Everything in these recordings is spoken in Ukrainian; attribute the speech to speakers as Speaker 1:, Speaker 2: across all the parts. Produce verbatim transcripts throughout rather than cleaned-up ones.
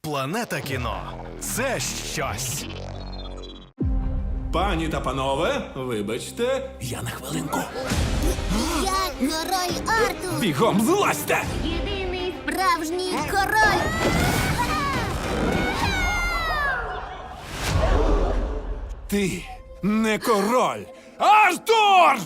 Speaker 1: Планета кіно – це щось.
Speaker 2: Пані та панове, вибачте, я на хвилинку.
Speaker 3: Я король Артур!
Speaker 2: Бігом злазьте!
Speaker 3: Єдиний справжній король!
Speaker 2: Ти не король! Артур!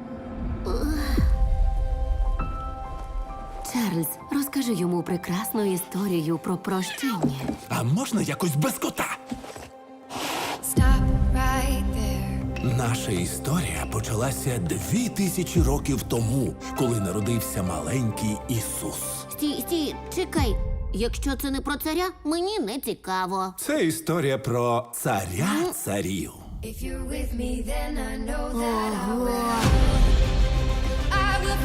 Speaker 4: Чарльз, розкажи йому прекрасну історію про прощення.
Speaker 2: А можна якось без кота?
Speaker 5: Stop right there.
Speaker 2: Наша історія почалася дві тисячі років тому, коли народився маленький Ісус.
Speaker 3: Стій, стій, чекай. Якщо це не про царя, мені не цікаво.
Speaker 2: Це історія про царя царів.
Speaker 5: If you're with me, then I know that I will. I will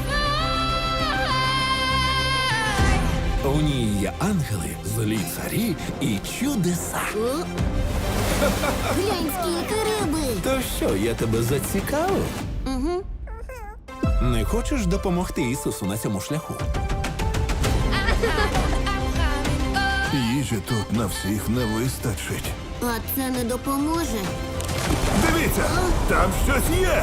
Speaker 5: fly.
Speaker 2: У ній є ангели, злі царі і чудеса.
Speaker 3: О? Глянь, скільки риби!
Speaker 2: То що, я тебе зацікавив?
Speaker 3: Угу.
Speaker 2: Не хочеш допомогти Ісусу на цьому шляху?
Speaker 6: Їжі тут на всіх не вистачить.
Speaker 3: А це не допоможе.
Speaker 6: Дивіться, там щось є.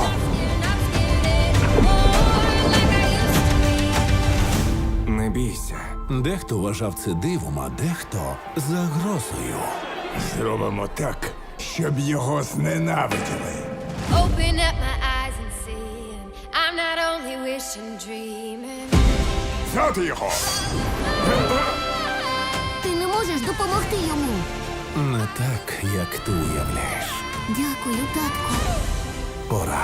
Speaker 7: Не бійся.
Speaker 2: Дехто вважав це дивом, а дехто загрозою.
Speaker 6: Зробимо так, щоб його зненавиділи.
Speaker 5: Open up my eyes and see. And I'm not only wishing, dreaming.
Speaker 6: Взяти його!
Speaker 3: Ти не можеш допомогти йому.
Speaker 2: Не так, як ти уявляєш.
Speaker 3: Дякую, татку.
Speaker 2: Пора.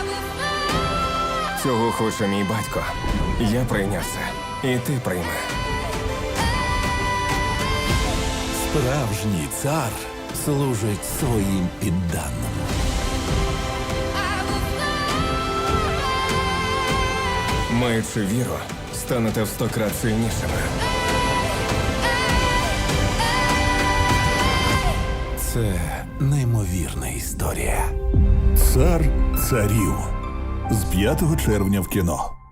Speaker 7: Цього хоче мій батько. Я прийняв це. І ти прийми.
Speaker 2: Справжній цар служить своїм підданим.
Speaker 7: Маючи віру, станете в сто крат сильнішими.
Speaker 2: Це неймовірна історія.
Speaker 6: Цар царів. З п'ятого червня в кіно.